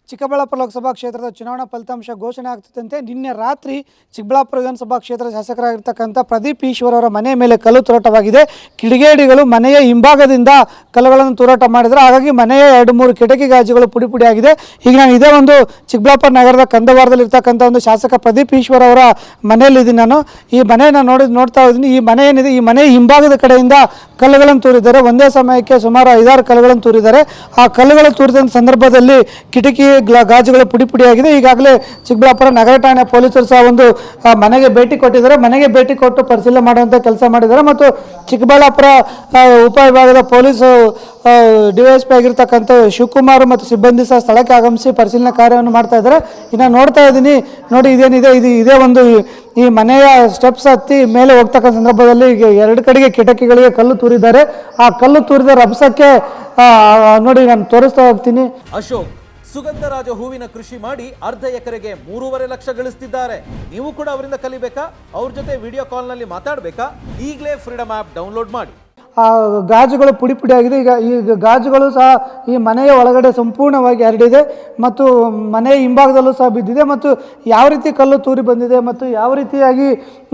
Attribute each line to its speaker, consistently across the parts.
Speaker 1: ಚಿಕ್ಕಬಳ್ಳಾಪುರ ಲೋಕಸಭಾ ಕ್ಷೇತ್ರದ ಚುನಾವಣಾ ಫಲಿತಾಂಶ ಘೋಷಣೆ ಆಗ್ತಿದ್ದಂತೆ ನಿನ್ನೆ ರಾತ್ರಿ ಚಿಕ್ಕಬಳ್ಳಾಪುರ ವಿಧಾನಸಭಾ ಕ್ಷೇತ್ರದ ಶಾಸಕರಾಗಿರ್ತಕ್ಕಂಥ ಪ್ರದೀಪ್ ಈಶ್ವರ್ ಅವರ ಮನೆ ಮೇಲೆ ಕಲ್ಲು ತೂರಾಟವಾಗಿದೆ. ಕಿಡಿಗೇಡಿಗಳು ಮನೆಯ ಹಿಂಭಾಗದಿಂದ ಕಲ್ಲುಗಳನ್ನು ತೂರಾಟ ಮಾಡಿದರೆ, ಹಾಗಾಗಿ ಮನೆಯ 2-3 ಕಿಟಕಿ ಗಾಜುಗಳು ಪುಡಿಯಾಗಿದೆ. ಈಗ ನಾನು ಇದೇ ಒಂದು ಚಿಕ್ಕಬಳ್ಳಾಪುರ ನಗರದ ಕಂದವಾರದಲ್ಲಿ ಇರ್ತಕ್ಕಂಥ ಒಂದು ಶಾಸಕ ಪ್ರದೀಪ್ ಈಶ್ವರ್ ಅವರ ಮನೆಯಲ್ಲಿದ್ದೀನಿ. ನಾನು ಈ ಮನೆಯನ್ನು ನೋಡ್ತಾ ಇದ್ದೀನಿ. ಈ ಮನೆ ಏನಿದೆ, ಈ ಮನೆಯ ಹಿಂಭಾಗದ ಕಡೆಯಿಂದ ಕಲ್ಲುಗಳನ್ನು ತೂರಿದ್ದಾರೆ. ಒಂದೇ ಸಮಯಕ್ಕೆ ಸುಮಾರು 5-6 ಕಲ್ಲುಗಳನ್ನು ತೂರಿದ್ದಾರೆ. ಆ ಕಲ್ಲುಗಳು ತೂರಿದ ಸಂದರ್ಭದಲ್ಲಿ ಕಿಟಕಿ ಗಾಜುಗಳು ಪುಡಿಯಾಗಿದೆ. ಈಗಾಗಲೇ ಚಿಕ್ಕಬಳ್ಳಾಪುರ ನಗರ ಠಾಣೆ ಪೊಲೀಸರು ಸಹ ಒಂದು ಮನೆಗೆ ಭೇಟಿ ಕೊಟ್ಟಿದ್ದಾರೆ. ಮನೆಗೆ ಭೇಟಿ ಕೊಟ್ಟು ಪರಿಶೀಲನೆ ಮಾಡುವಂಥ ಕೆಲಸ ಮಾಡಿದ್ದಾರೆ. ಮತ್ತು ಚಿಕ್ಕಬಳ್ಳಾಪುರ ಉಪವಿಭಾಗದ ಪೊಲೀಸು ಡಿವೈಎಸ್ಪಿ ಆಗಿರ್ತಕ್ಕಂಥ ಶಿವಕುಮಾರ್ ಮತ್ತು ಸಿಬ್ಬಂದಿ ಸಹ ಸ್ಥಳಕ್ಕೆ ಆಗಮಿಸಿ ಪರಿಶೀಲನಾ ಕಾರ್ಯವನ್ನು ಮಾಡ್ತಾ ಇದ್ದಾರೆ. ಇನ್ನು ನೋಡ್ತಾ ಇದ್ದೀನಿ ನೋಡಿ, ಇದೇನಿದೆ ಇದೇ ಒಂದು ಈ ಮನೆಯ ಸ್ಟೆಪ್ಸ್ ಹತ್ತಿ ಮೇಲೆ ಹೋಗ್ತಕ್ಕಂಥ ಸಂದರ್ಭದಲ್ಲಿ 2 ಕಡೆಗೆ ಕಿಟಕಿಗಳಿಗೆ ಕಲ್ಲು ತೂರಿದ್ದಾರೆ. ಆ ಕಲ್ಲು ತೂರಿದ ರಭಸಕ್ಕೆ ನೋಡಿ ನಾನು ತೋರಿಸ್ತಾ ಹೋಗ್ತೀನಿ.
Speaker 2: ಅಶೋಕ್ ಸುಗಂಧರಾಜ ಹೂವಿನ ಕೃಷಿ ಮಾಡಿ ಅರ್ಧ ಎಕರೆಗೆ 3.5 ಲಕ್ಷ ಗಳಿಸ್ತಿದ್ದಾರೆ. ನೀವು ಕೂಡ ಅವರಿಂದ ಕಲಿಬೇಕಾ? ಅವ್ರ ಜೊತೆ ವಿಡಿಯೋ ಕಾಲ್ನಲ್ಲಿ ಮಾತಾಡಬೇಕಾ? ಈಗಲೇ ಫ್ರೀಡಮ್ ಆ್ಯಪ್ ಡೌನ್ಲೋಡ್ ಮಾಡಿ.
Speaker 1: ಆ ಗಾಜುಗಳು ಪುಡಿಯಾಗಿದೆ. ಈ ಗಾಜುಗಳು ಸಹ ಈ ಮನೆಯ ಒಳಗಡೆ ಸಂಪೂರ್ಣವಾಗಿ ಹರಡಿದೆ ಮತ್ತು ಮನೆಯ ಹಿಂಭಾಗದಲ್ಲೂ ಸಹ ಬಿದ್ದಿದೆ. ಮತ್ತು ಯಾವ ರೀತಿ ಕಲ್ಲು ತೂರಿ ಬಂದಿದೆ ಮತ್ತು ಯಾವ ರೀತಿಯಾಗಿ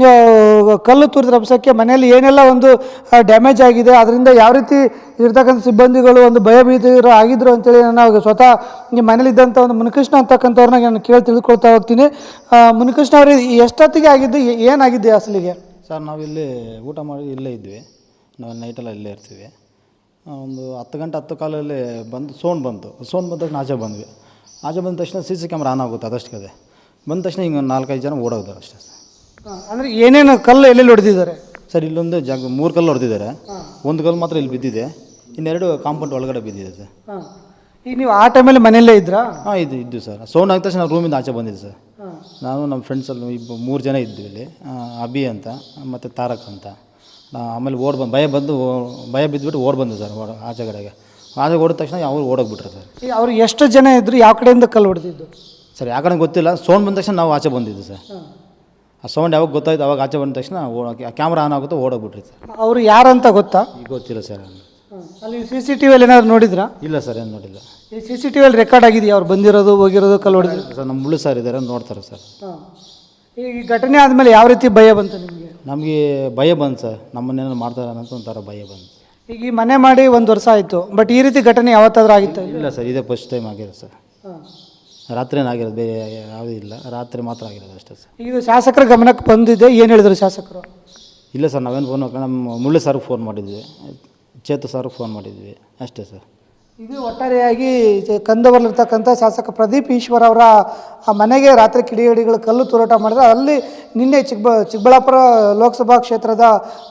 Speaker 1: ಕಲ್ಲು ತೂರಿದ ರಭಸಕ್ಕೆ ಮನೆಯಲ್ಲಿ ಏನೆಲ್ಲ ಒಂದು ಡ್ಯಾಮೇಜ್ ಆಗಿದೆ, ಅದರಿಂದ ಯಾವ ರೀತಿ ಇರ್ತಕ್ಕಂಥ ಸಿಬ್ಬಂದಿಗಳು ಒಂದು ಭಯಭೀತರು ಆಗಿದ್ರು ಅಂತೇಳಿ ನಾನು ಸ್ವತಃ ಈ ಮನೇಲಿದ್ದಂಥ ಒಂದು ಮುನಿಕೃಷ್ಣ ಅಂತಕ್ಕಂಥವ್ರನ್ನ ನಾನು ಕೇಳಿ ತಿಳ್ಕೊಳ್ತಾ ಹೋಗ್ತೀನಿ. ಮುನಿಕೃಷ್ಣ ಅವ್ರಿಗೆ ಎಷ್ಟೊತ್ತಿಗೆ ಆಗಿದ್ದು, ಏನಾಗಿದೆ ಅಸಲಿಗೆ?
Speaker 3: ಸರ್, ನಾವಿಲ್ಲಿ ಊಟ ಮಾಡಿ ಇಲ್ಲೇ ಇದ್ವಿ. ನಾವು ನೈಟೆಲ್ಲ ಇಲ್ಲೇ ಇರ್ತೀವಿ. ಒಂದು 10 ಗಂಟೆ 10 ಕಾಲಲ್ಲಿ ಬಂದು ಸೌಂಡ್ ಬಂದ ತಕ್ಷಣ ಆಚೆ ಬಂದ್ವಿ. ಆಚೆ ಬಂದ ತಕ್ಷಣ CC ಕ್ಯಾಮ್ರಾ ಆನ್ ಆಗುತ್ತೆ. ಅದಷ್ಟೇ ಬಂದ ತಕ್ಷಣ ಹಿಂಗೆ 4-5 ಜನ ಓಡೋಗ್ತಾರೆ ಅಷ್ಟೇ ಸರ್.
Speaker 1: ಅಂದರೆ ಏನೇನು ಕಲ್ಲು ಎಲ್ಲೆಲ್ಲಿ ಹೊಡೆದಿದ್ದಾರೆ
Speaker 3: ಸರ್? ಇಲ್ಲೊಂದು 3 ಕಲ್ಲು ಹೊಡೆದಿದ್ದಾರೆ. ಒಂದು ಕಲ್ಲು ಮಾತ್ರ ಇಲ್ಲಿ ಬಿದ್ದಿದೆ, ಇನ್ನೆರಡು ಕಾಂಪೌಂಡ್ ಒಳಗಡೆ ಬಿದ್ದಿದೆ ಸರ್.
Speaker 1: ಈಗ ನೀವು ಆ ಟೈಮಲ್ಲಿ ಮನೆಯಲ್ಲೇ ಇದ್ರಾ?
Speaker 3: ಹಾಂ, ಇದ್ದು ಸರ್. ಸೌಂಡ್ ಆಗಿದ ತಕ್ಷಣ ರೂಮಿಂದ ಆಚೆ ಬಂದಿದೆ ಸರ್. ನಾನು ನಮ್ಮ ಫ್ರೆಂಡ್ಸಲ್ಲಿ 3 ಜನ ಇದ್ವಿ ಇಲ್ಲಿ. ಅಭಿ ಅಂತ ಮತ್ತು ತಾರಕ್ ಅಂತ. ಆಮೇಲೆ ಭಯ ಬಿದ್ದುಬಿಟ್ಟು ಬಂದು ಸರ್ ಆಚೆ ಕಡೆಗೆ. ಓಡಿದ ತಕ್ಷಣ ಅವ್ರು ಓಡೋಗ್ಬಿಟ್ರೆ ಸರ್.
Speaker 1: ಅವ್ರು ಎಷ್ಟು ಜನ ಇದ್ದರು? ಯಾವ ಕಡೆಯಿಂದ ಕಲ್ಲು ಹೊಡೆದಿದ್ದು
Speaker 3: ಸರ್? ಯಾವ ಕಡೆ ಗೊತ್ತಿಲ್ಲ. ಸೌಂಡ್ ಬಂದ ತಕ್ಷಣ ನಾವು ಆಚೆ ಬಂದಿದ್ದು ಸರ್. ಆ ಸೌಂಡ್ ಯಾವಾಗ ಗೊತ್ತಾಯ್ತು ಅವಾಗ ಆಚೆ ಬಂದ ತಕ್ಷಣ ಕ್ಯಾಮ್ರಾ ಆನ್ ಆಗುತ್ತೆ, ಓಡೋಗ್ಬಿಟ್ರಿ ಸರ್.
Speaker 1: ಅವರು ಯಾರಂತ ಗೊತ್ತಾ?
Speaker 3: ಈಗ ಗೊತ್ತಿಲ್ಲ ಸರ್.
Speaker 1: ಅಲ್ಲಿ CCTVಯಲ್ಲಿ ಏನಾದ್ರು ನೋಡಿದ್ರಾ?
Speaker 3: ಇಲ್ಲ ಸರ್, ಏನು ನೋಡಿಲ್ಲ.
Speaker 1: ಈ CCTVಯಲ್ಲಿ ರೆಕಾರ್ಡ್ ಆಗಿದೆಯಾ ಅವ್ರು ಬಂದಿರೋದು ಹೋಗಿರೋದು ಕಲ್ಲು ಹೊಡೆದು?
Speaker 3: ಸರ್, ನಮ್ಮ ಮುಳ್ಳು ಸರ್ ಇದ್ದಾರೆ, ನೋಡ್ತಾರೆ ಸರ್.
Speaker 1: ಈ ಘಟನೆ ಆದಮೇಲೆ ಯಾವ ರೀತಿ ಭಯ ಬಂತು ನಿಮಗೆ?
Speaker 3: ನಮಗೆ ಭಯ ಬಂತು ಸರ್. ನಮ್ಮನ್ನೇನೋ ಮಾಡ್ತಾರೆ ಅನ್ನೋ ಒಂಥರ ಭಯ ಬಂತು.
Speaker 1: ಈಗ ಈ ಮನೆ ಮಾಡಿ 1 ವರ್ಷ ಆಯಿತು, ಬಟ್ ಈ ರೀತಿ ಘಟನೆ ಯಾವತ್ತಾದ್ರೂ ಆಗಿತ್ತು?
Speaker 3: ಇಲ್ಲ ಸರ್, ಇದೇ ಫಸ್ಟ್ ಟೈಮ್ ಆಗಿರೋದು ಸರ್. ರಾತ್ರಿನೇ ಆಗಿರೋದು, ಬೇರೆ ಯಾವುದೂ ಇಲ್ಲ. ರಾತ್ರಿ ಮಾತ್ರ ಆಗಿರೋದು ಅಷ್ಟೇ ಸರ್.
Speaker 1: ಇದು ಶಾಸಕರ ಗಮನಕ್ಕೆ ಬಂದಿದೆ, ಏನು ಹೇಳಿದ್ರು ಶಾಸಕರು?
Speaker 3: ಇಲ್ಲ ಸರ್, ನಾವೇನು ಫೋನ್ ನಮ್ಮ ಮುಳ್ಳು ಸರ್ಗೆ ಫೋನ್ ಮಾಡಿದ್ವಿ, ಚೇತು ಸರ್ಗೆ ಫೋನ್ ಮಾಡಿದ್ವಿ ಅಷ್ಟೇ ಸರ್.
Speaker 1: ಇದು ಒಟ್ಟಾರೆಯಾಗಿ ಕಂದವರಲ್ಲಿರ್ತಕ್ಕಂಥ ಶಾಸಕ ಪ್ರದೀಪ್ ಈಶ್ವರ್ ಅವರ ಮನೆಗೆ ರಾತ್ರಿ ಕಿಡಿಗೇಡಿಗಳು ಕಲ್ಲು ತೂರಾಟ ಮಾಡಿದ್ರೆ, ಅಲ್ಲಿ ನಿನ್ನೆ ಚಿಕ್ಕಬಳ್ಳಾಪುರ ಲೋಕಸಭಾ ಕ್ಷೇತ್ರದ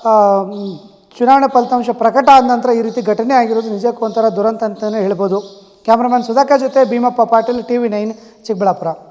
Speaker 1: ಚುನಾವಣೆ ಫಲಿತಾಂಶ ಪ್ರಕಟ ಆದ ನಂತರ ಈ ರೀತಿ ಘಟನೆ ಆಗಿರೋದು ನಿಜಕ್ಕೂ ಒಂಥರ ದುರಂತ ಅಂತಲೇ ಹೇಳ್ಬೋದು. ಕ್ಯಾಮ್ರಾಮನ್ ಸುಧಾಕರ್ ಜೊತೆ ಭೀಮಪ್ಪ ಪಾಟೀಲ್, TV9 ಚಿಕ್ಕಬಳ್ಳಾಪುರ.